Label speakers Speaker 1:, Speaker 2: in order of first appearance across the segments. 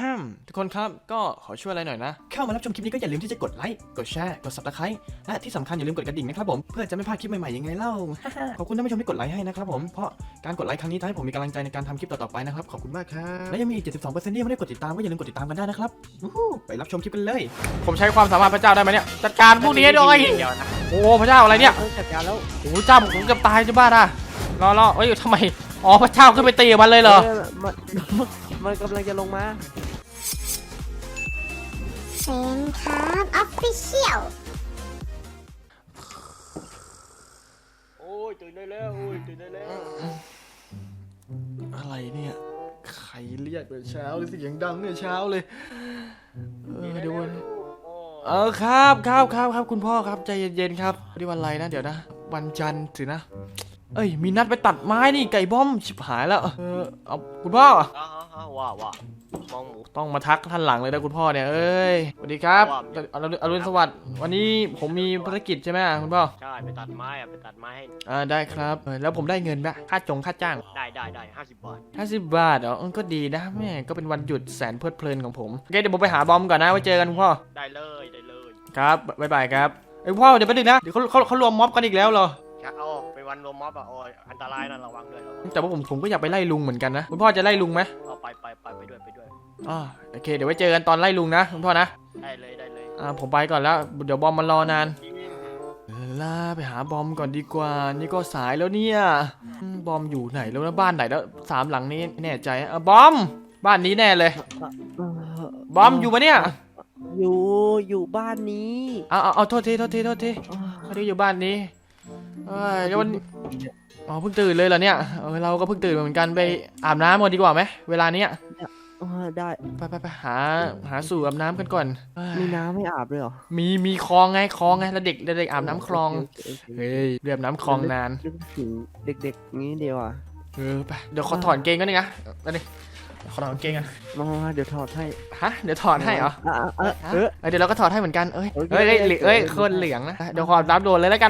Speaker 1: ทุกคนครับก็ขอช่วยอะไรหน่อยนะเข้ามารับชมคลิปนี้ก็อย่าลืมที่จะกดไลค์กดแชร์กด Subscribe และที่สำคัญอย่าลืมกดกระดิ่งนะครับผมเพื่อจะไม่พลาดคลิปใหม่ๆยังไงเล่า ขอบคุณท่านผู้ชมที่กดไลค์ให้นะครับผมเพราะการกดไลค์ครั้งนี้ทำให้ผมมีกำลังใจในการทำคลิปต่อๆไปนะครับขอบคุณมากครับและยังมีอีก 72%ที่ยังไม่ได้กดติดตามก็อย่าลืมกดติดตามกันได้นะครับไปรับชมคลิปกันเลยผมใช้ความสามารถพระเจ้าได้ไหมเนี่ยจัดการพวกนี้ด้วยโอ้พระเจ้าอะไรเนี่ย
Speaker 2: จัดการแล้ว
Speaker 1: โอ้เจ้าผมเกือบตายจะบ้าอ่ะรอเอ้ยทำไมอ๋อพระเจ้าขึ้นไปตีมันเลยเหรอ
Speaker 2: มันกำลังจะลงมา
Speaker 3: เซนครับออฟฟิเชียล
Speaker 2: โอ้ยตื่นได้แล้วโอ้ยตื่นได้แล้ว
Speaker 1: อะไรเนี่ยใครเรียกเช้าเลยเสียงดังเนี่ยเช้าเลยเดี๋ยวครับคุณพ่อครับใจเย็นๆครับวันนี้วันอะไรนะเดี๋ยวนะวันจันทร์สินะเอ้ยมีนัดไปตัดไม้นี่ไก่บ้อมชิบหายแล้วเอาคุณพ่อ
Speaker 2: ว่ามองหมู
Speaker 1: ต้องมาทักท่านหลังเลยนะคุณพ่อเนี่ยเอ้ยสวัสดีครับอรุณสวัสดิ์วันนี้ผมมีภารกิจใช่ไหมคุณพ่อ
Speaker 2: ใช่ไปตัดไม้ไปตัดไม้ให้
Speaker 1: ได้ครับแล้วผมได้เงินไหมค่าจ้าง
Speaker 2: ได้50 บาท
Speaker 1: 50 บาทเหรอก็ดีนะแม่ก็เป็นวันหยุดแสนเพลิดเพลินของผมโอเคเดี๋ยวผมไปหาบอมก่อนนะไว้เจอกันคุณพ่อ
Speaker 2: ได้เลย
Speaker 1: ครับบ๊ายบายครับไอ้พ่อเดี๋ยวไปดึกนะเดี๋ยวเขารวมม็อบกันอีกแล้วเหรอ
Speaker 2: เอาไปวันรวมม็อบโอ้ยอันตรายนะระวังด้วย
Speaker 1: แต่ว่าผมก็อยากไปไล่ลุงเหมือนกันนะคุณพ่อจะไล่ลุงไหม
Speaker 2: เอาไปด้วย
Speaker 1: โอเคเดี๋ยวไว้เจอกันตอนไล่ลุงนะคุณพ่อนะ
Speaker 2: ได้เลย
Speaker 1: ผมไปก่อนแล้วเดี๋ยวบอมมันรอนานไปหาบอมก่อนดีกว่านี่ก็สายแล้วเนี่ยบอมอยู่ไหนแล้วนะบ้านไหนแล้ว3 หลังนี้แน่ใจบอมบ้านนี้แน่เลยบอมอยู่ปะเนี่ย
Speaker 2: อยู่บ้านนี้
Speaker 1: เอาโทษทีเขาได้อยู่บ้านนี้แล้ววันเพิ่งตื่นเลยเหรอเนี่ยเราก็เพิ่งตื่นเหมือนกันไปอาบน้ำก่อนดีกว่าไหมเวลาเนี้ย
Speaker 2: ได้
Speaker 1: ไปหาสู่อาบน้ำกันก่อน
Speaker 2: มีน้ำไม่อาบเลยเหรอ
Speaker 1: มีคลองไงแล้วเด็กอาบน้ำคลองเฮ้ยเรียบน้ำคลองนาน
Speaker 2: ถึงเด็กๆงี้เดียว
Speaker 1: ไปเดี๋ยวขอถอดเกงกันนึงนะขอถอดเกงกัน
Speaker 2: มาเดี๋ยวถอดให้
Speaker 1: เดี๋ยวถอดให้เหรอเดี๋ยวเราก็ถอดให้เหมือนกันเฮ้ยคนเหลืองนะเดี๋ยวขอรับโดนเลยแล้วกัน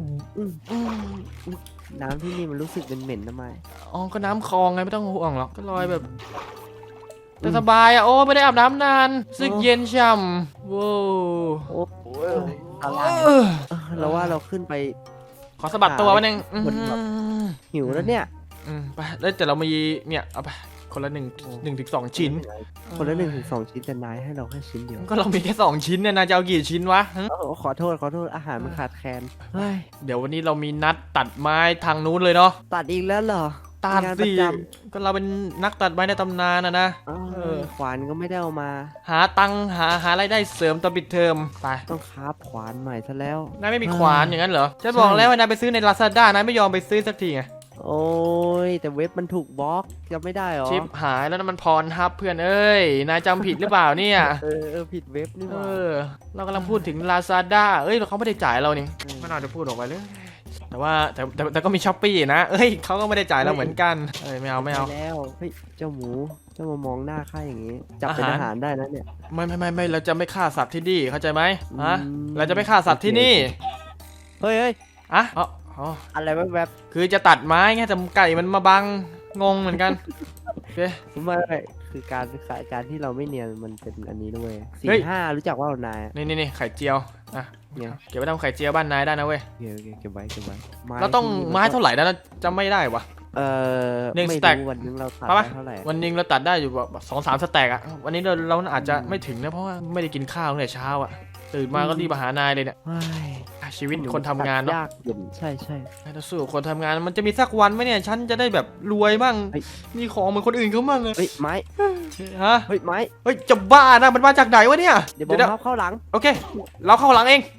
Speaker 2: น้ำที่นี่มันรู้สึกเป็นเหม็นทำไม
Speaker 1: ก็น้ำคลองไงไม่ต้องห่วงหรอกก็ลอยแบบแต่สบายโอ้ไม่ได้อาบน้ำนานสึกเย็นช่ำว้าว
Speaker 2: เราว่าเราขึ้นไป
Speaker 1: ขอสะบัดตัววันนึง
Speaker 2: หิวแล้วเนี่ย
Speaker 1: ไปแล้วแต่เรามีเนี่ยเอาไปคนละ1 ถึง 2 ชิ้น
Speaker 2: คนละ1 ถึง 2 ชิ้นแต่นายให้เราแค่ชิ้นเดียว
Speaker 1: ก็เรามีแค่2 ชิ้นเนี่ยนายจะเอากี่ชิ้นวะ
Speaker 2: ขอโทษอาหารมันขาดแคลน
Speaker 1: เดี๋ยววันนี้เรามีนัดตัดไม้ทางนู้นเลยเนาะ
Speaker 2: ตัดอีกแล้วเหรอ
Speaker 1: ตัดสิก็เราเป็นนักตัดไม้ในตำนานนะ
Speaker 2: ขวานก็ไม่ได้เอามา
Speaker 1: หาตังหารายได้เสริมตอนปิดเทอมไป
Speaker 2: ต้องคราฟขวานใหม่ซะแล้ว
Speaker 1: นายไม่มีขวานอย่างนั้นเหรอจะบอกแล้วว่านายไปซื้อใน Lazada นายไม่ยอมไปซื้อสักทีไง
Speaker 2: โอ้ยแต่เว็บมันถูกบล็อกจำไม่ได้หรอ
Speaker 1: ชิปหายแล้วนั่นมันพรฮับเพื่อนเอ้ยนายจำผิดหรือเปล่าเนี่ย
Speaker 2: ผิดเว็บนี่หว่า
Speaker 1: เรากำลังพูดถึง Lazada เขาไม่ได้จ่ายเรานี่ไม่น่าจะพูดออกไปเลยแต่ก็มี Shopee นะเขาก็ไม่ได้จ่ายเราเหมือนกันไม่เอา
Speaker 2: แล้วเฮ้ยเจ้าหมูจะมามองหน้าข้าอย่างงี้จับเป็นอาหารได้นะเนี่ย
Speaker 1: ไม่เราจะไม่ฆ่าสัตว์ที่นี่เข้าใจไหมเราจะไม่ฆ่าสัตว์ที่นี่
Speaker 2: เฮ้ยอะไรแบบ
Speaker 1: คือจะตัดไม้ไงแต่ไก่มันมาบังงงเหมือนกันโอเค
Speaker 2: ไม่คือการที่เราไม่เนียนมันเป็นอันนี้ด้วย4-5รู้จักว่านาย
Speaker 1: นี่ไข่เจียวเนี่ยเก็บไว้ทำไข่เจียวบ้านนายได้นะเว้ย
Speaker 2: เก็บไว้
Speaker 1: เราต้องไม้เท่าไหร่นะจำไม่ได้วะ1 สแต็ก
Speaker 2: วันนึงเราตัดเท่าไหร่
Speaker 1: วันนึงเราตัดได้อยู่แบบ2-3 สแต็กวันนี้เราอาจจะไม่ถึงนะเพราะว่าไม่ได้กินข้าวตั้งแต่เช้าตื่นมาก็รีบมาหานายเลยเนี่ยชีวิตคนทำงานเนาะ
Speaker 2: ใช่
Speaker 1: ถ้าสู้คนทำงานมันจะมีสักวันไหมเนี่ยฉันจะได้แบบรวยบ้างมีของเหมือนคนอื่นเขาบ้างเลย
Speaker 2: ไม้ไม้
Speaker 1: จะบ้านะมันมาจากไหนวะเนี่ย
Speaker 2: เดี๋ยวเข้าหลัง
Speaker 1: โอเคเราเข้าหลังเอง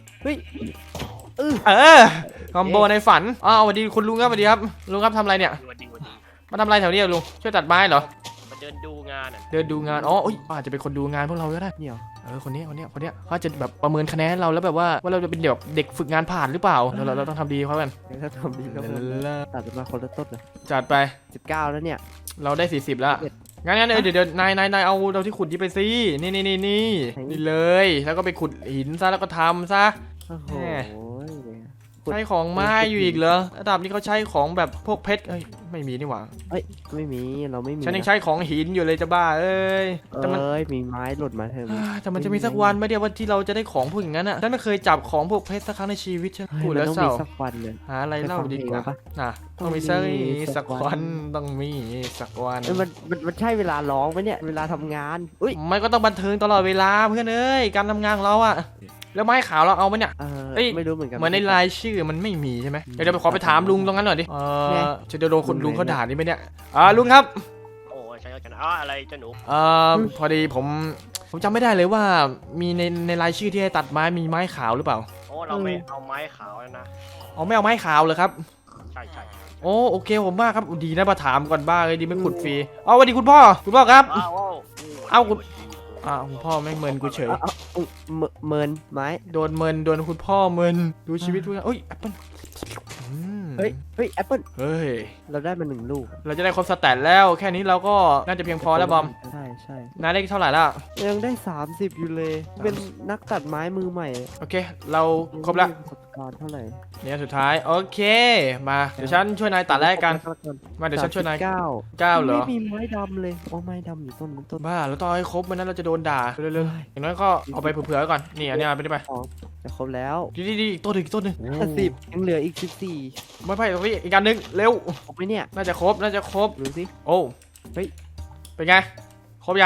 Speaker 1: คอมโบในฝันสวัสดีคุณลุงครับสวัสดีครับลุงครับทำอะไรเนี่ยมาทำอะไรแถวนี้ลุงช่วยตัดไม้เหรอ
Speaker 2: มาเดินดูงาน
Speaker 1: อาจจะเป็นคนดูงานพวกเราก็ได้เนี่ยคนนี้เขาจะแบบประเมินคะแนนเราแล้วแบบว่าเราจะเป็นเด็กฝึกงานผ่านหรือเปล่าเราต้องทำดีเขากัน
Speaker 2: ถ้าทำดีก็ตัดมาคนละต้นเลย
Speaker 1: จัดไป
Speaker 2: 19แล้วเนี่ย
Speaker 1: เราได้40แล้วงั้นเดี๋ยวนายเอาเราที่ขุดที่ไปซินี่เลยแล้วก็ไปขุดหินซะแล้วก็ทำซะ
Speaker 2: โอ้โห
Speaker 1: ใช้ของไม้อยู่อีกเหรอระดับนี้เขาใช้ของแบบพวกเพชรเอ้ยไม่มีนี่หว่า
Speaker 2: เอ้ยไม่มีเราไม่มี
Speaker 1: ฉันยังใช้ของหินอยู่เลยจะบ้าเอ้ยแต่มัน
Speaker 2: เอ้ยมีไม้หลุดมาเถอะ
Speaker 1: แต่มันจะมีสักวันไหมเดียวว่าที่เราจะได้ของพวกอย่างนั้นอ่ะฉันไม่เคยจับของพวกเพชรสักครั้งในชีวิตฉัน
Speaker 2: เฮ้ย
Speaker 1: พูด
Speaker 2: มัน
Speaker 1: แล้ว
Speaker 2: ต้อง
Speaker 1: เศร้า
Speaker 2: มีสักวันเลย
Speaker 1: หาอะไรเล่าดีกว่า
Speaker 2: ไปฟังเพลงมาปะ
Speaker 1: น่ะ
Speaker 2: ต้
Speaker 1: ต้อ
Speaker 2: อง งมี
Speaker 1: มีสัก
Speaker 2: สักวั
Speaker 1: วัน นต้องมีสักวัน
Speaker 2: เอ้ยมันใช่เวลาร้องไหมเนี่ยเวลาทำงานอุ้ย
Speaker 1: ไม่ก็ต้องบันเทิงตลอดเวลาเพื่อนเอ้ยการทำงานของเราอะแล้วไม้ขาวเราเอาไหมเนี่ย เอ้ย
Speaker 2: ไม่รู้เหมือนกัน
Speaker 1: เหมือนในรายชื่อมันไม่มีใช่ไหมเดี๋ยวไปขอไปถามลุงตรงนั้นหน่อยดิจะโดนคนลุงเขาด่านี่ไหมเนี่ยลุงครับ
Speaker 4: โอ้ใช่กันอะไรเจ้าหนู
Speaker 1: พอดีผมจำไม่ได้เลยว่ามีในรายชื่อที่ให้ตัดไม้มีไม้ขาวหรือเปล่า
Speaker 4: โอ้เราไม่เอาไม้ขาวแล้วนะ
Speaker 1: อ๋อไม่เอาไม้ขาวเลยครับ
Speaker 4: ใช่ใช่
Speaker 1: โอ้โอเคผมมากครับดีนะมาถามก่อนบ้างเลยดีไม่ขุดฟรีสวัสดีคุณพ่อครับ
Speaker 4: ว้าว
Speaker 1: เอ้าคุณคุณพ่อไม่งเมินกูเฉย
Speaker 2: อุ๊ยเมินไม้
Speaker 1: โดนเมินโดนคุณพ่อเมินดูชีวิตเพื่อนเอ้ยแอปเปิ้ล
Speaker 2: เฮ้ยแอปเปิล
Speaker 1: เฮ้ย
Speaker 2: เราได้มา1 ลูก
Speaker 1: เราจะได้ครบสแตทแล้วแค่นี้เราก็น่าจะเพียงพอแล้วบอม
Speaker 2: ใช่
Speaker 1: นายได้เท่าไหร่ละ
Speaker 2: ยังได้30อยู่เลย เป็นนักตัดไม้มือใหม่
Speaker 1: โอเค เราครบละ
Speaker 2: ประสบการณ์เท่าไหร่
Speaker 1: เนี่ยสุดท้ายโอเคมาเดี๋ยวฉันช่วยนายตัดแรกกันมาเดี๋ยวฉันช่วยนาย
Speaker 2: เก้า
Speaker 1: 9เหรอ
Speaker 2: ไม่มีไม้ดำเลยโอ้ไม้ดำอยู่ต้นนั้นต้น
Speaker 1: บ้าแล้วต้องให้ครบไม่นั้นเราจะโดนด่าเร็วๆอย่างน้อยก็เอาไปเผื่อๆก่อนนี่อันนี้เอาไปได้ไป
Speaker 2: อ๋อจะครบแล้ว
Speaker 1: ดีอีกตัวหนึ่งอีกตัวหนึ่ง
Speaker 2: 10ยังเหลืออีก14
Speaker 1: ไม่ตรงนี้อีกอันหนึงเร็ว
Speaker 2: ครบไหมเนี่ย
Speaker 1: น่าจะครบ
Speaker 2: ดูสิ
Speaker 1: โอ้
Speaker 2: เฮ้ย
Speaker 1: เป็นไงครบยัง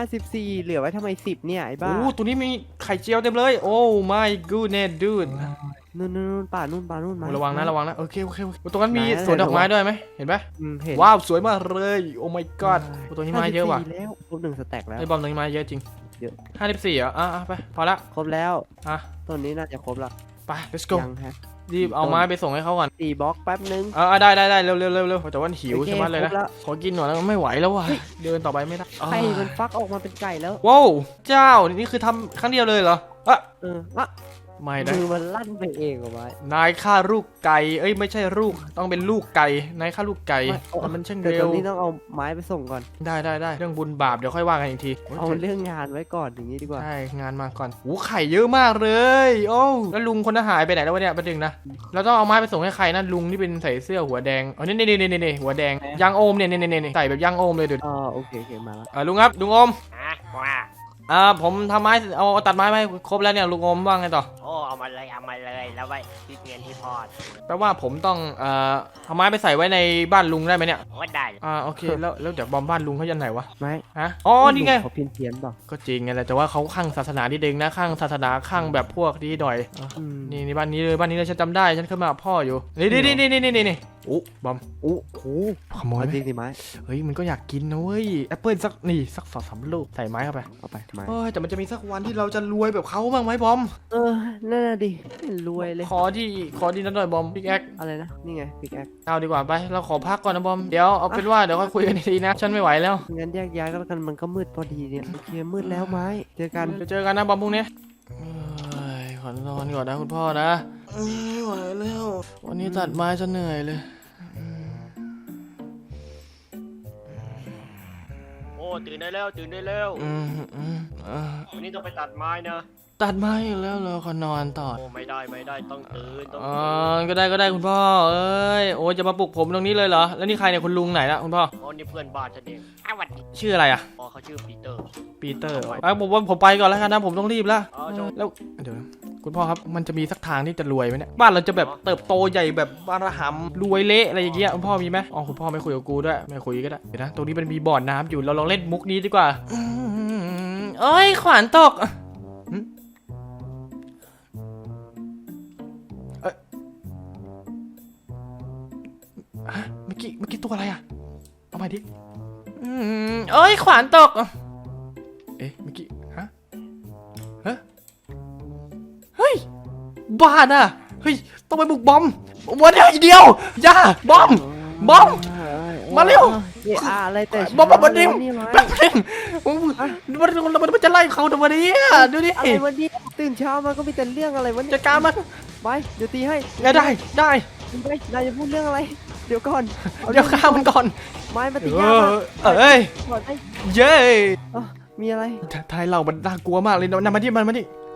Speaker 2: 54เหลือไว้ทำไม10เนี่ยไอ้บ้า
Speaker 1: โอ้ตัวนี้มีไข่เจียวเต็มเลยโอ้ my goodness dude
Speaker 2: นู่นป่านู่นไม้
Speaker 1: ระวังนะโอเคตรงนั้นมีสวนดอกไม้ด้วยไหมเห็นไหม
Speaker 2: เห็น
Speaker 1: ว้าวสวยมากเลยโอ้ my god ตัวนี้ไม้เยอะว่ะ
Speaker 2: 54แล้วครบ1 สแต็กแล้ว
Speaker 1: ไอ้บอมตัวนี้ไม้เยอะจริง
Speaker 2: เยอะ
Speaker 1: 54เหรอไปพอละ
Speaker 2: ครบแล้ว
Speaker 1: อ่ะ
Speaker 2: ต้นนี้น่าจะครบละ
Speaker 1: ไป let's go
Speaker 2: ยังฮะ
Speaker 1: รีบเอาไม้ไปส่งให้เขาก่อน
Speaker 2: 4 บล็อกแป๊บนึง
Speaker 1: ได้เร็วแต่ว่าหิว
Speaker 2: โอเค
Speaker 1: ใช่ไหมเลยนะ
Speaker 2: ครบแล้ว
Speaker 1: ขอกินหน่อยแล้วไม่ไหวแล้วว่ะเดินต่อไปไม่ได้
Speaker 2: ไข่มันฟักออกมาเป็นไก่แล้ว
Speaker 1: ว้าวเจ้านี่คือทำครั้งเดียวเลยเหรอ
Speaker 2: อ่ะ
Speaker 1: ไม่ได้
Speaker 2: มือมันลั่นไปเองเหรอไว้
Speaker 1: นายฆ่าลูกไก่เอ้ยไม่ใช่ลูกต้องเป็นลูกไก่นายฆ่าลูกไก่มันช่าง
Speaker 2: แต่
Speaker 1: เร็
Speaker 2: ตอ
Speaker 1: วน
Speaker 2: นี้ต้องเอาไม้ไปส่งก่อน
Speaker 1: ได้เรื่องบุญบาปเดี๋ยวค่อยว่ากันอีกที
Speaker 2: เอาเรื่องงานไว้ก่อนอย่างนี้ดีกว่า
Speaker 1: ใช่งานมาก่อนโอ้ไข่เยอะมากเลยโอ้แล้วลุงคนนั้นหายไปไหนแล้ววะเนี่ยประเด็นนะเราต้องเอาไม้ไปส่งให้ใครนั่นลุงที่เป็นใส่เสื้อหัวแดงอ๋อนี่หัวแดงยางโอมเนี่ยใส่แบบยางโอมเลยเดี๋ยว
Speaker 2: โอเคมาแล้ว
Speaker 1: ลุงครับลุงโอม
Speaker 4: ว่า
Speaker 1: ผมทำไม้เอาตัดไม้ไปครบแล้วเนี่ยลุงโอมว่าไงต่อ
Speaker 4: โอ้เอามาเลยแล้วไว้ที่เงินที่พอด
Speaker 1: แปลว่าผมต้องเอาไม้ไปใส่ไว้ในบ้านลุงได้ไหมเนี่ย
Speaker 4: โอ้ได้
Speaker 1: โอเคแล้วเดี๋ยวบอมบ้านลุงเขายันไหนวะ
Speaker 2: ไม้
Speaker 1: ฮะอ๋อนี่ไง
Speaker 2: เขาเพี้ยนเปล่า
Speaker 1: ก็จริงไงแหละแต่ว่าเขาข้างศาสนานิดนึงนะข้างศาสนาข้างแบบพวกดีดอย นี่บ้านนี้เลยฉันจำได้ฉันเคยมากับพ่ออยู่นี่โอ้บอม
Speaker 2: โอ้โห
Speaker 1: ขโมย
Speaker 2: จริงดิไม้
Speaker 1: เฮ้ยมันก็อยากกินนะเว้ยแอปเปิ้ลสัก2-3 ลูกใส่ไม้เข้าไป
Speaker 2: เอาไปไม้
Speaker 1: เฮ้ยแต่มันจะมีสักวันที่เราจะรวยแบบเขาบ้างไหมบอม
Speaker 2: นั่นน่ะดิไม่รวยเลย
Speaker 1: ขอดีนั่นหน่อยบอมพิกแอค
Speaker 2: อะไรนะนี่ไงพิกแอค
Speaker 1: เอาดีกว่าไปเราขอพักก่อนนะบอมเดี๋ยวเอาเป็นว่าเดี๋ยวค่อยคุยกันอีกทีนะฉันไม่ไหวแล้ว
Speaker 2: งั้นแยกย้ายก็แล้วกันมันก็มืดพอดีเนี่ยโอเคมืดแล้วไม้เจอกัน
Speaker 1: เจอกันนะบอมพรุ่งนี้ขอนอนก่อนนะคุณพ่อนะไม่ไหวแล้ววันนี้ตัดไม้จะเหนื่อยเลย
Speaker 4: โอ้ตื่นได้แล้ววันนี้ต้องไปตัดไม้นะ
Speaker 1: ตัดไม้อยู่แล้วเราขอนอนต่อ
Speaker 4: โอ้ไม่ได้ต้องตื่น
Speaker 1: ก็ได้คุณพ่อเอ้ยโอ้จะมาปลุกผมตรงนี้เลยเหรอแล้วนี่ใครเนี่ยคุณลุงไหนละคุณพ่อ
Speaker 4: โอ้นี่เพื่อนบ้านฉันเองวันนี้
Speaker 1: ชื่ออะไรอะ
Speaker 4: อ๋อเขาชื่อปีเตอร์
Speaker 1: ปีเตอร์ผมไปก่อนแล้วกันนะผมต้องรีบแล้ว
Speaker 4: จบ
Speaker 1: แล้วเดี๋ยวคุณพ่อครับมันจะมีสักทางที่จะรวยไหมเนี่ยบ้านเราจะแบบเติบโตใหญ่แบบบารหัมรวยเละอะไรอย่างเงี้ยคุณพ่อมีไหมคุณพ่อไม่คุยกับกูด้วยไม่คุยก็ได้เดี๋ยวนะตรงนี้มันมีบ่อน้ำอยู่เราลองเล่นมุกนี้ดีกว่าเอ้ยขวานตกเมื่อกี้ตัวอะไรอะเอามาดิเอ้ยขวานตกเมื่อกี้เฮ้ยบ้าน่ะเฮ้ยต้องไปบุกบอมวันเดียวอย่าบอมมาเร็ว
Speaker 2: อะไรแต่
Speaker 1: บอมมาดิมแป๊บนึงมันจะไล่เขาทำไมเนี่ยดูดิ
Speaker 2: อะไรวันนี้ตื่นเช้ามาก็มีแต่เรื่องอะไรวันนี้
Speaker 1: จัดการมัน
Speaker 2: ไปเดี๋ยวตีให้
Speaker 1: ได้
Speaker 2: ไปนายจะพูดเรื่องอะไร เดี๋ยวก่อน
Speaker 1: เดี๋ยวฆ่ามันก่อน
Speaker 2: ไม้มาตียามา
Speaker 1: เอ้ย
Speaker 2: ก่อนไอ้
Speaker 1: เย้
Speaker 2: มีอะไร
Speaker 1: ไทยเรามันน่ากลัวมากเลยนำมาดิ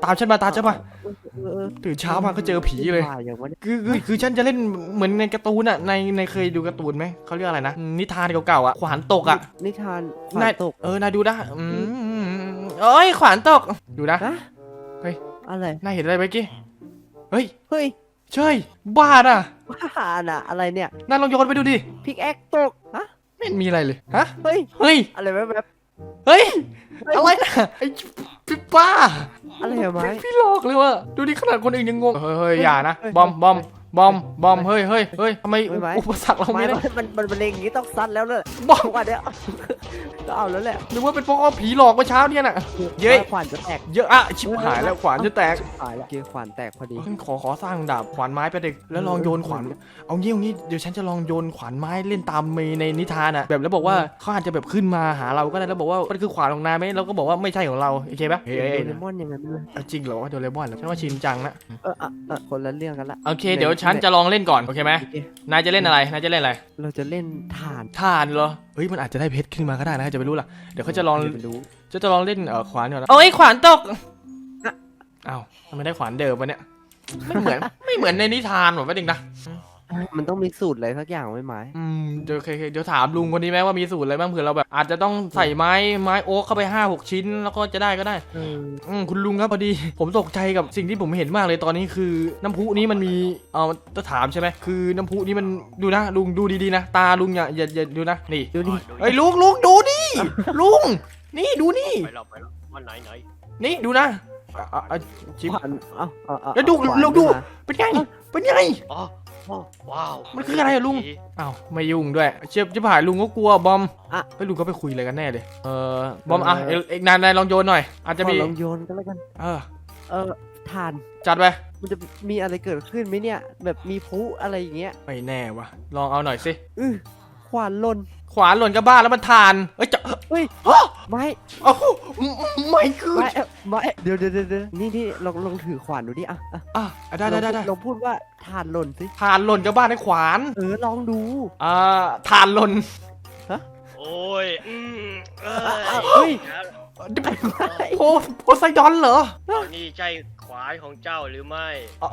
Speaker 1: ตามฉันมาตามฉันมา
Speaker 2: เออ
Speaker 1: ตื่นเช้ามาก็เจอผีเลย
Speaker 2: ว่าอย่างวะเนี่ย
Speaker 1: คือฉันจะเล่นเหมือนในการ์ตูนอะในเคยดูการ์ตูนไหมเขาเรียกอะไรนะนิทานเก่าๆอะขวานตกอะ
Speaker 2: นิทานขวานตก
Speaker 1: นายดูนะเอ้ยขวานตกดูนะ
Speaker 2: ฮะ
Speaker 1: เฮ้ย
Speaker 2: อะไร
Speaker 1: นายเห็นอะไรเมื่อกี้เฮ้ย
Speaker 2: เฮ้ย
Speaker 1: ใช่บ้าน่ะ
Speaker 2: บ้าน่ะอะไรเนี่ย
Speaker 1: นายลองโยนไปดูดิ
Speaker 2: พิกแอคตกฮะ
Speaker 1: ไม่เห็นมีอะไรเลยฮะ
Speaker 2: เฮ้ย
Speaker 1: เฮ้ย
Speaker 2: อะไรแบบ
Speaker 1: เฮ้ยอะไรนะไอ้พี่ป้า
Speaker 2: อะไรอะไม้
Speaker 1: พี่หลอกเลยว่ะดูดิขนาดคนอื่นยังงงเฮ้ยอย่านะ
Speaker 2: เฮ้ย
Speaker 1: บอมเฮ้ยทำไม
Speaker 2: เฮ้ยไม้
Speaker 1: อุปสรรคเรา
Speaker 2: ไม้
Speaker 1: ไม่ได้
Speaker 2: มันเลงอย่างนี้ต้องซัดแล้วเลย
Speaker 1: บอม
Speaker 2: ว่าเนี้ยก็เอาแล้วแหละ
Speaker 1: หรือว่าเป็นเพราะว่าผีหลอกเมื่อเช้าเนี่ยน่ะเย้ย
Speaker 2: ขวานจะแตก
Speaker 1: เยอะอะชิบหายแล้วขวานจะแตก
Speaker 2: หายแล้วเกขวานแตกพอดี
Speaker 1: ขอสร้างดาบขวานไม้ไปเด็กแล้วลองโยนขวานเอางี้เดี๋ยวฉันจะลองโยนขวานไม้เล่นตามในนิทานอะแบบแล้วบอกว่าเขาอาจจะแบบขึ้นมาหาเราก็ได้แล้วบอกว่ามันคือขวานของนายไหมเราก็บอกว่าไม่ใช่ของเราโอเคปะเฮ้ย
Speaker 2: โดเรมอนอย่างนั้นเลย
Speaker 1: จริงเหรอว่าโดเรมอนเหรอฉันว่าชินจังนะ
Speaker 2: คนละเรื่องกันละ
Speaker 1: โอเคเดี๋ยวฉันจะลองเล่นก่อนโอเคไหม
Speaker 2: โอเคน
Speaker 1: ายจะเล่นอะไรนายจะเล่นอะไร
Speaker 2: เราจะเล่นถ่าน
Speaker 1: ทานเหรอเฮ้ยมันอาจจะได้เพชรขึ้นมาก็ได้นะจะไม่รู้ล่ะเดี๋ยวเขาจะลอง
Speaker 2: ไม่รู้
Speaker 1: จะลองเล่นขวานก่อนนะโอ้ยขวานตกอ้าวทำไมได้ขวานเดิมวะเนี่ยไม่เหมือนในนิทานหรอวะเด็กนะ
Speaker 2: มันต้องมีสูตรอะไรสักอย่างไหมไม้
Speaker 1: เดี๋ยวถามลุงคนนี้ไหมว่ามีสูตรอะไรบ้างเผื่อเราแบบอาจจะต้องใส่ไม้โอ๊กเข้าไป5-6 ชิ้นแล้วก็จะได้ก็ได้คุณลุงครับพอดี ผมตกใจกับสิ่งที่ผมเห็นมากเลยตอนนี้คือน้ำพุนี้มันมีจะถามใช่ไหมคือน้ำพุนี้มันดูนะลุงดูดีๆนะตาลุงอย่าดูนะนี่
Speaker 2: ดูดิ
Speaker 1: เฮ้ยลุงดูดิลุงนี่ดูนี่
Speaker 4: ไปหรอกวันไหน
Speaker 1: นี่ดูนะชิบ
Speaker 2: ขวานเอา
Speaker 1: แล้วดู
Speaker 2: ขวาน
Speaker 1: เราดู
Speaker 2: ขึ้นมา
Speaker 1: เป็นไง
Speaker 4: อ๋อว้าว
Speaker 1: มันคืออะไรอะลุง อ้าวไม่ยุ่งด้วยเชียบจะผ่านลุงก็กลัวบอมไปลุงก็ไปคุยอะไรกันแน่เลยบอมเอกนายลองโยนหน่อยอาจจะมี
Speaker 2: ขอลองโยนกันแล้วกันถ่าน
Speaker 1: จัดไป
Speaker 2: มันจะมีอะไรเกิดขึ้นไหมเนี่ย แบบมีพลุอะไรอย่างเงี้ย
Speaker 1: ไม่แน่วะลองเอาหน่อยสิ
Speaker 2: ขวานหล่น
Speaker 1: ขวานหล่นกับบ้านแล้วมันทานจะ
Speaker 2: เฮ้ยไม้
Speaker 1: เอ้าไม่คือ
Speaker 2: ไม้เดี๋ยวนี่ลองถือขวานดูดิ
Speaker 1: ได้
Speaker 2: ลองพูดว่าถ่านหล่นสิ
Speaker 1: ทานหล่นกับบ้านให้ขวาน
Speaker 2: ลองดู
Speaker 1: ทานหล่น
Speaker 4: โอ้ย
Speaker 2: เฮ้ย
Speaker 1: โพไซดอนเหรอ
Speaker 4: นี่ใช่ขวานของเจ้าหรือไม่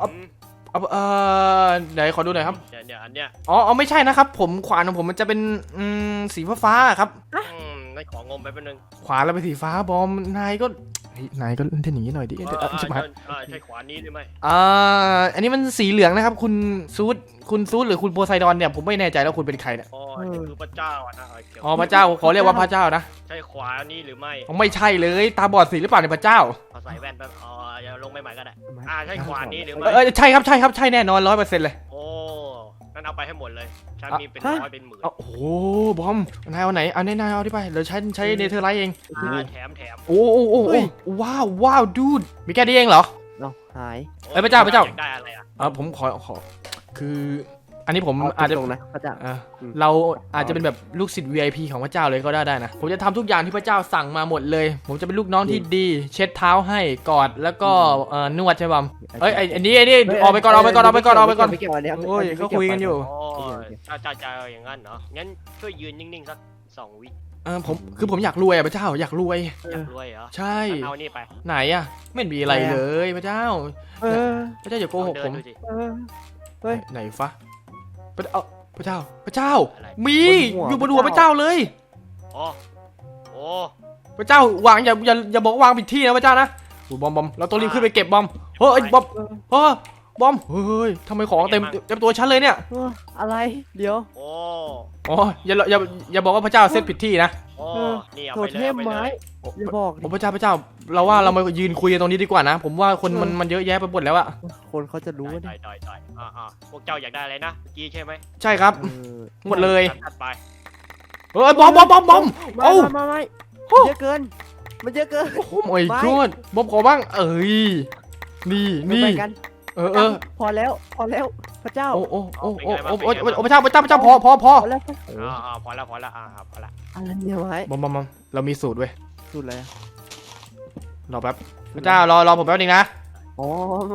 Speaker 1: ไหนขอดูหน่อยครับ
Speaker 4: เนี่ยอันเนี้ย
Speaker 1: อ๋อไม่ใช่นะครับผมขวานของผมมันจะเป็นสีฟ้าครับ
Speaker 4: นั่นของงมไปเป็นนึง
Speaker 1: ขวานเราเป็นสีฟ้าบอมนายก็เล่นอย่างนี้หน่อยดิใช่ไหม
Speaker 4: ใช่ขวานนี้หรือไม่
Speaker 1: อันนี้มันสีเหลืองนะครับคุณซูดหรือคุณโพไซดอนเนี่ยผมไม่แน่ใจแล้วคุณเป็นใครเนี่ย
Speaker 4: นี่คือพระเจ้านะ
Speaker 1: พระเจ้าขอเรียกว่าพระเจ้านะ
Speaker 4: ใช่ขวานนี้หรือไม่
Speaker 1: ไม่ใช่เลยตาบอดสีหรือเปล่าเนี่ยพระเจ้า
Speaker 4: พอใส่แว่นแป๊บอย่าลงใหม่ก็ได้ใช่ขวานนี้หรือไม่
Speaker 1: ใช่ครับใช่แน่นอน100%เลย
Speaker 4: โอ้นั่นเอาไปให้หมดเลยฉันมีเป็นร้อยเป็นหมื่น
Speaker 1: โอ้โหบอมนายเอาไหนเอานายเอาที่ไปเดี๋ยวใช้เนเธอร์ไลท์เอง
Speaker 4: แถม
Speaker 1: โอ้ว้าวดูดมีแค่นี้เองเหรอ
Speaker 2: หาย
Speaker 1: พระเจ้า
Speaker 4: ได้อะไร
Speaker 1: ผมขอคืออันนี้ผมอาจจะ
Speaker 2: ตรงนะพระเจ้า
Speaker 1: เราอาจจะเป็นแบบลูกศิษย์ VIP ของพระเจ้าเลยก็ได้นะผมจะทำทุกอย่างที่พระเจ้าสั่งมาหมดเลยผมจะเป็นลูกน้องที่ดีเช็ดเท้าให้กอดแล้วก็นวดใช่ป่ะอันนี้ออกไปก่อน
Speaker 2: ไม่เกี่ยวอันนี้
Speaker 1: โอ้ยเขาคุยกันอยู่
Speaker 4: จะอย่างนั้นเนาะงั้นช่วยยืนนิ่งๆสัก2 วิ
Speaker 1: ผมอยากรวยพระเจ้าอยากรวย
Speaker 4: อยากรวยเหรอ
Speaker 1: ใช่
Speaker 4: เอานี่ไป
Speaker 1: ไหนไม่มีอะไรเลยพระเจ้าพระเจ้าอย่าโกหกผมไหนฟะพระเจ้ามีอยู่บนหัวพระเจ้าเลย
Speaker 4: โอ้
Speaker 1: พระเจ้าวางอย่าบอกวางผิดที่นะพระเจ้านะบอมเราต้องรีบขึ้นไปเก็บบอมเฮ้ยบอมเฮ้ยทำไมของเต็มตัวฉันเลยเนี่ย
Speaker 2: อะไรเดี๋ยว
Speaker 1: อย่าบอกว่าพระเจ้าเซตผิดที่นะ
Speaker 4: นี่เอา
Speaker 2: โท
Speaker 4: ไป
Speaker 2: เทมไม้อย่าบอก
Speaker 1: พระเจ้าเราว่าเรามายืนคุยกันตรงนี้ดีกว่านะผมว่าคนมันเยอะแยะไปหมดแล้วอะ
Speaker 2: คนเขาจะรู้ว่า
Speaker 4: ได้พวกเจ้าอยากได้อะไรนะเมื่อกี้ใช่ไหม
Speaker 1: ใช่ครับหมดเลย
Speaker 4: ถัดไป
Speaker 1: บอมโอ้
Speaker 2: ไม่เยอะเกินมันเยอะเกิน
Speaker 1: โอ้โหmy god บอมขอบ้างนี่
Speaker 2: พอแล้วพระเจ้า
Speaker 1: โอ้พระเจ้าพอ
Speaker 2: แล้ว
Speaker 4: พอละ
Speaker 2: อะไรเนี่ยไม้
Speaker 1: บอมเรามีสูตรเว้ย
Speaker 2: สูตรอะไร
Speaker 1: รอแป๊บพระเจ้ารอผมแป๊บนึงนะ
Speaker 2: อ๋อ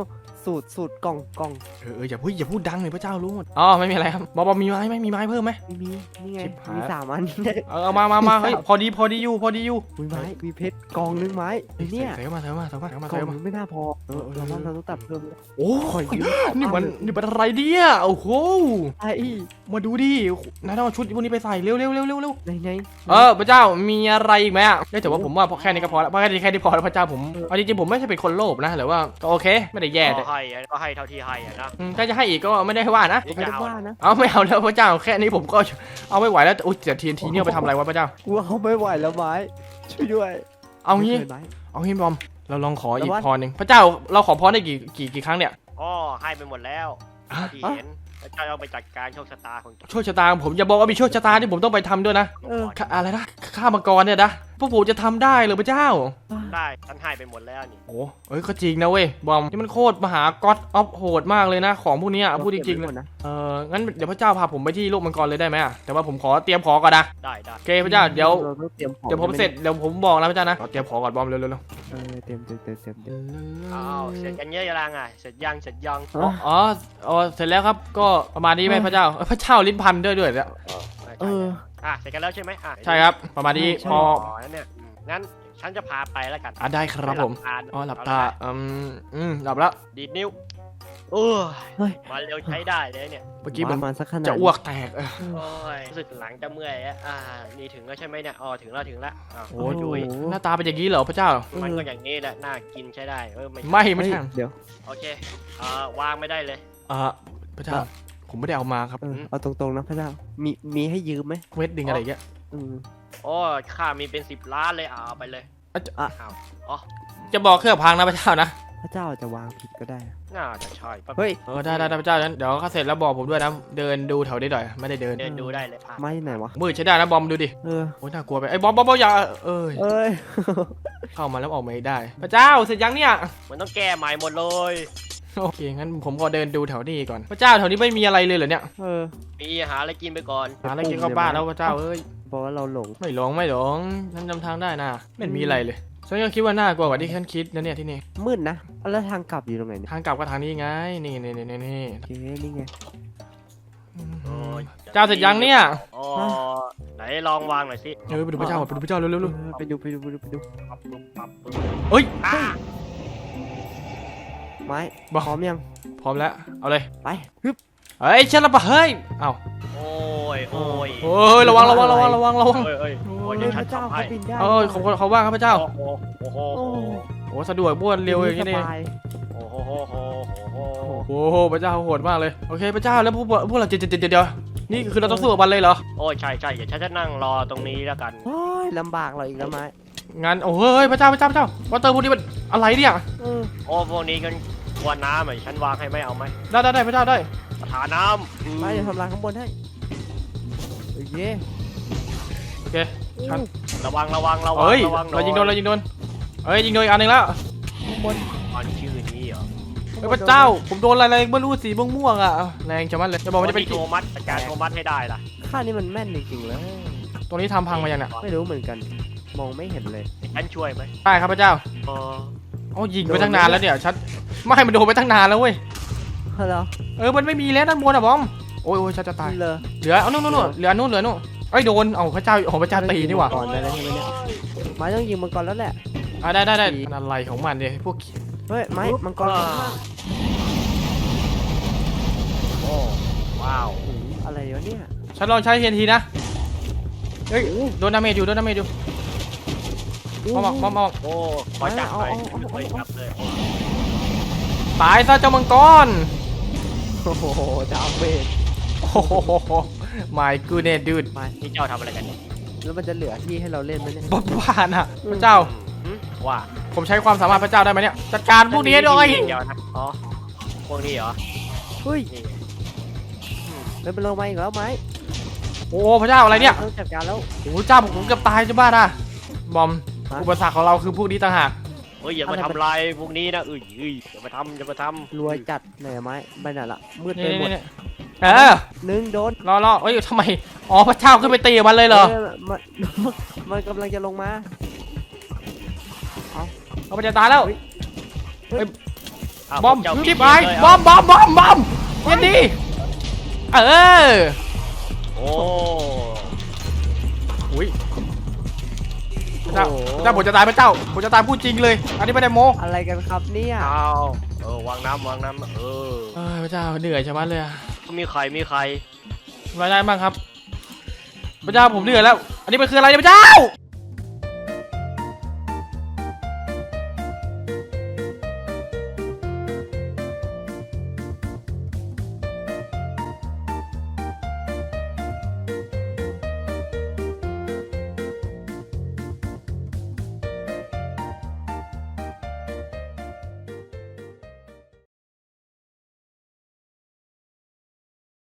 Speaker 2: สูตรกล่อง
Speaker 1: อย่าพูดดังเลยพระเจ้ารู้หมดอ๋อไม่มีอะไรครับบอมมีไม้ไหมมีไม้เพิ่มไหม
Speaker 2: มีนี่ไง
Speaker 1: ชิบหาย
Speaker 2: มี3 อัน
Speaker 1: เอามาเฮ้ยพอดีอยู่
Speaker 2: มีไม้มีเพชรกล่องนึงไม้เนี่ย
Speaker 1: ใส่เข้ามา
Speaker 2: กล่องนึงไม่น่าพอเราต้องตัดเพิ่ม
Speaker 1: โอ้
Speaker 2: ขอยืม
Speaker 1: นี่มันอะไรเนี่ยโอ้โห
Speaker 2: ไอ้
Speaker 1: มาดูดินายต้องเอาชุดพวกนี้ไปใส่เร็ว
Speaker 2: ไหน
Speaker 1: พระเจ้ามีอะไรอีกไหมอ่ะแต่ว่าผมว่าแค่นี้ก็พอแล้วแค่นี้พอแล้วพระเจ้าผมเอาจริงๆผมไม่ใช่เป็นคนโลภนะหรือว่าก็โอเคไม่ได้แย่แต่
Speaker 4: ก็ให้เท่าที่ให้อะนะ
Speaker 1: ถ้าจะให้อีกก็ไม่ได้ว่านะ
Speaker 2: ไม่ได้ว่านะ
Speaker 1: เอาไม่เอาแล้วพระเจ้าแค่นี้ผมก็เอาไม่ไหวแล้วอุ้ยแต่ทีเนี่ยไปทำอะไรวะพระเจ้า
Speaker 2: กูเอาไม่ไหวแล้วไม้ช่วยด้วย
Speaker 1: เอางี้
Speaker 2: ไม่คยไม้
Speaker 1: เอางี้บอมเราลองขออีก
Speaker 2: แต่ว่า
Speaker 1: พรหนึ่งพระเจ้าเราขอพรได้กี่ครั้งเนี่ย
Speaker 4: อ๋อให้ไปหมดแล้ว
Speaker 1: อ่ะ
Speaker 4: ที่เห็นแล้วเจ้าเอาไปจัดการโชคชะตาของเจ้า
Speaker 1: โชคชะตาของผมอย่าบอกว่ามีโชคชะตาที่ผมต้องไปทำด้วยนะ อะไรนะฆ่ามังกรเนี่ยนะพวกผมจะทำได้เหรือพระเจ้า
Speaker 4: ได้ฉันให้ไปหมดแล้วนี่
Speaker 1: โอ้ก็จริงนะเว้ยบอมนี่มันโคตรมหาก็อดออฟโหดมากเลยนะของพวกนี้อ่ะพูดจริงๆเลย
Speaker 2: นะ
Speaker 1: งั้นเดี๋ยวพระเจ้าพาผมไปที่โลกมังกรเลยได้ไหมอ่ะแต่ว่าผมขอเตรียมของก่อนนะ
Speaker 4: ได้
Speaker 1: โอเคพระเจ้าเดี๋ยว
Speaker 2: ราต้องเตรียมของ
Speaker 1: ผมเสร็จเดี๋ยวผมบอกนะพระเจ้านะเตรียมของก่อนบอมเร็ว
Speaker 2: เตรียม
Speaker 4: อ้าวเสร็จกันเยอะยังอ่ะเสร็จยัง
Speaker 1: อ๋อเสร็จแล้วครับก็ประมาณนี้ไหมพระเจ้าพระเจ้าลิ้นพันด้วยเนี่ย
Speaker 4: เสร็จกันแล้วใช่ไหม
Speaker 1: ใช่ครับประมาณนี้พอ
Speaker 4: นั่นเนี่ยงั้นฉันจะพาไปแล้วกัน
Speaker 1: ได้ครับผมหลับตาหลับแล้ว
Speaker 4: ดีดนิ้วมาเร็วใช้ได้เลยเนี่ย
Speaker 1: เมื่อกี้
Speaker 2: ป
Speaker 1: มัน
Speaker 2: ระมาณสักขนาด
Speaker 1: จะอ้วกแตก
Speaker 4: โอ้ยรู้สึกหลังจะเมื่อยนี่ถึงแล้วใช่ไหมเนี่ยถึงแล้ว
Speaker 1: โอ้ยหน้าตาเป็นอย่างนี้เหรอพระเจ้า
Speaker 4: มันก็อย่างนี้แหละน่ากินใช้ได้
Speaker 1: ไม่ใช่
Speaker 2: เดี๋ยว
Speaker 4: โอเควางไม่ได้เลย
Speaker 1: พระเจ้าผมไม่ได้เอามาครับ
Speaker 2: เอาตรงๆนะพระเจ้ามีให้ยืมไหม
Speaker 1: เวทดึงอะไรเงี้ย
Speaker 4: โอ้ข้ามีเป็น10 ล้านเลยเอาไปเลย
Speaker 1: จะบอกเครื่องพังนะพระเจ้านะ
Speaker 2: พระเจ้าจะวางผิดก็ได้
Speaker 4: น่าจะใช่
Speaker 2: เฮ้ย
Speaker 1: ได้พระเจ้านั้นเดี๋ยวข้าเสร็จแล้วบอกผมด้วยนะเดินดูแถวนี้หน่อยไม่ได้เดิน
Speaker 4: ดูได้เลยพา
Speaker 2: ไม่ไหนวะ
Speaker 1: มืดใช้ได้นะบอมดูดิโอ้ยน่ากลัวไปไอ้บอมอย่าเข้ามาแล้วออกไม่ได้ พระเจ้าเสร็จยังเนี่ย
Speaker 4: มันต้องแก้ใหม่หมดเลย
Speaker 1: โอเคงั้นผมขอเดินดูแถวนี้ก่อนพระเจ้าแถวนี้ไม่มีอะไรเลยเหรอเนี่ย
Speaker 4: มีหาอะไรกินไปก่อน
Speaker 1: หาอะไรกินเข้าบ้านแล้วพระเจ้าเอ้ย
Speaker 2: เพราะว่าเราหลง
Speaker 1: ไม่หลงฉันจำทางได้นะไม่มีอะไรเลยฉันก็คิดว่าน่ากลัวกว่าที่ฉันคิดนะเนี่ยที่นี่
Speaker 2: มืดนะแล้วทางกลับอยู่ตรงไหนเนี่ย
Speaker 1: ทางกลับก็ทางนี้ไงนี่
Speaker 2: โอเคนี่ไง
Speaker 1: เจ้าเสร็จยังเนี่ย
Speaker 4: ไหนลองวางหน่อยสิ
Speaker 1: ไปดูพระเจ้าเร็ว
Speaker 2: ไปดู
Speaker 1: เฮ้ย
Speaker 2: ไม้พร้อมยัง
Speaker 1: พร้อมแล้วเอาเลย
Speaker 2: ไปฮึบ
Speaker 1: เฮ้ยฉันละปะเฮ้ยเอ้า
Speaker 4: โอ้ย
Speaker 1: ระวัง
Speaker 4: พระเจ้าเขา
Speaker 2: บินได้
Speaker 1: เขาว่าครับพระเจ้า
Speaker 4: โอ้โห
Speaker 1: สะดวกบ้วนเร็วอย่างนี้นี่โอ้โหพระเจ้าโหดมากเลยโอเคพระเจ้าแล้วพวกเราเดี๋ยวนี่คือเราต้องสู้กับมันเลยเหรอ
Speaker 4: โอ้ยใช่เดี๋ยวฉันจะนั่งรอตรงนี้แล้วกัน
Speaker 2: โอ้ยลำบากเราอีกแล้วไม้
Speaker 1: งั้นโอ้ยพระเจ้าวอเตอร์พวกนี้มันอะไรเนี่ย
Speaker 4: พวกนี้กันกวนน้ำฉันวางให้ไม่เอาไหม
Speaker 1: ได้พระเจ้าได้
Speaker 4: หาน้ำ
Speaker 2: ไม่เดี๋ยวทำลายข้างบนให้โอเค
Speaker 1: ฉัน
Speaker 4: ระวัง
Speaker 1: เฮ้ยเรายิงโดนเฮ้ยยิงโดนอีกอันหนึ่งแล้ว
Speaker 2: ข้างบน
Speaker 4: ชื่อนี้เหรอ
Speaker 1: พระเจ้าผมโดนอะไรไม่รู้สีม่วงอ่ะแรงจังมันเลยจะบอกว่าจะเป็น
Speaker 4: โทมัสการโทมัสให้ได้ล่ะ
Speaker 2: ข้านี่มันแม่นจริงๆเลย
Speaker 1: ตรงนี้ทำพังมายังเนี่ย
Speaker 2: ไม่รู้เหมือนกันมองไม่เห็นเลย
Speaker 4: ฉันช่วยไหม
Speaker 1: ได้ครับพระเจ้ายิงไปตั้งนานแล้วเนี่ยชัดไม่มันโดนไปตั้งนานแล้วเว้ยมันไม่มีแล้วด้านบนอ่ะบอมโอ้ยชัดจะตายเหลือนู่นเหลือนู่นไอ้โดนพระเจ้าพระเจ้าตีนี่หว่า
Speaker 2: ก่อนได้แล้วใช่ไหมเนี่ยไม้ต้องยิงมังกรแล้วแหละ
Speaker 1: ได้อะไรของมันเนี่ยพวก
Speaker 2: เฮ้ยไม้มังกร
Speaker 4: โอ้ว้าว
Speaker 2: อะไรวะเนี่ย
Speaker 1: ฉันลองใช้TNTนะเฮ้ยโดนดาเมจอยู่มา
Speaker 4: โอ้ขอจับเลย
Speaker 1: ตายซะเจ้ามังกร
Speaker 2: โอ้โหดาเมจ
Speaker 1: My goodness dude
Speaker 4: นี่เจ้าทำอะไรกันเนี่ย
Speaker 2: แล้วมันจะเหลือที่ให้เราเล่นไหมเนี่ย
Speaker 1: บ้านะพระเจ้า
Speaker 4: ว่า
Speaker 1: ผมใช้ความสามารถพระเจ้าได้ไหมเนี่ยจัดการพวกนี้ด้วย
Speaker 4: เดี๋ยวนะพวกนี้เหรอ
Speaker 2: เฮ้ยเลยไปลงมาอีกแล้วไหม
Speaker 1: โอ้พระเจ้าอะไรเนี่ย
Speaker 2: ต้องจัดการแล้ว
Speaker 1: โอ้เจ้าผมเกือบตายจะบ้าอ่ะบอมอุปสรรคของเราคือพวกนี้ต่างหาก
Speaker 4: อย่ามาทำลายพวกนี้นะอย่ามาทำ
Speaker 2: รวยจัดไหนไหมไปไหนละมืดไปหมดหนึ่งโดน
Speaker 1: รอทำไมพระเจ้าขึ้นไปตีมันเลยเหรอ
Speaker 2: มันกำลังจะลงมา
Speaker 1: เอาไปจะตายแล้ว
Speaker 4: าว
Speaker 5: บอม
Speaker 4: พวกเจ้า
Speaker 5: ชิบ
Speaker 4: เปลี่
Speaker 5: หาย
Speaker 4: นเลย
Speaker 5: บอมบอมบอมบอมเย็นดีเออ
Speaker 4: โอ้
Speaker 5: อุ้ยพระเจ้าพระเจ้าผมจะตายพระเจ้าผมจะตายพูดจริงเลย อันนี้ไม่ได้โม้
Speaker 2: อะไรกันครับเนี่ย
Speaker 4: เอาวางน้ำเออ
Speaker 5: พระเจ้าเหนื่อยชะมัดเลยอะ
Speaker 4: มีใคร
Speaker 5: รายได้บ้างครับพระเจ้าผมเหนื่อยแล้ว อันนี้มันคืออะไรเนี่ยพระเจ้า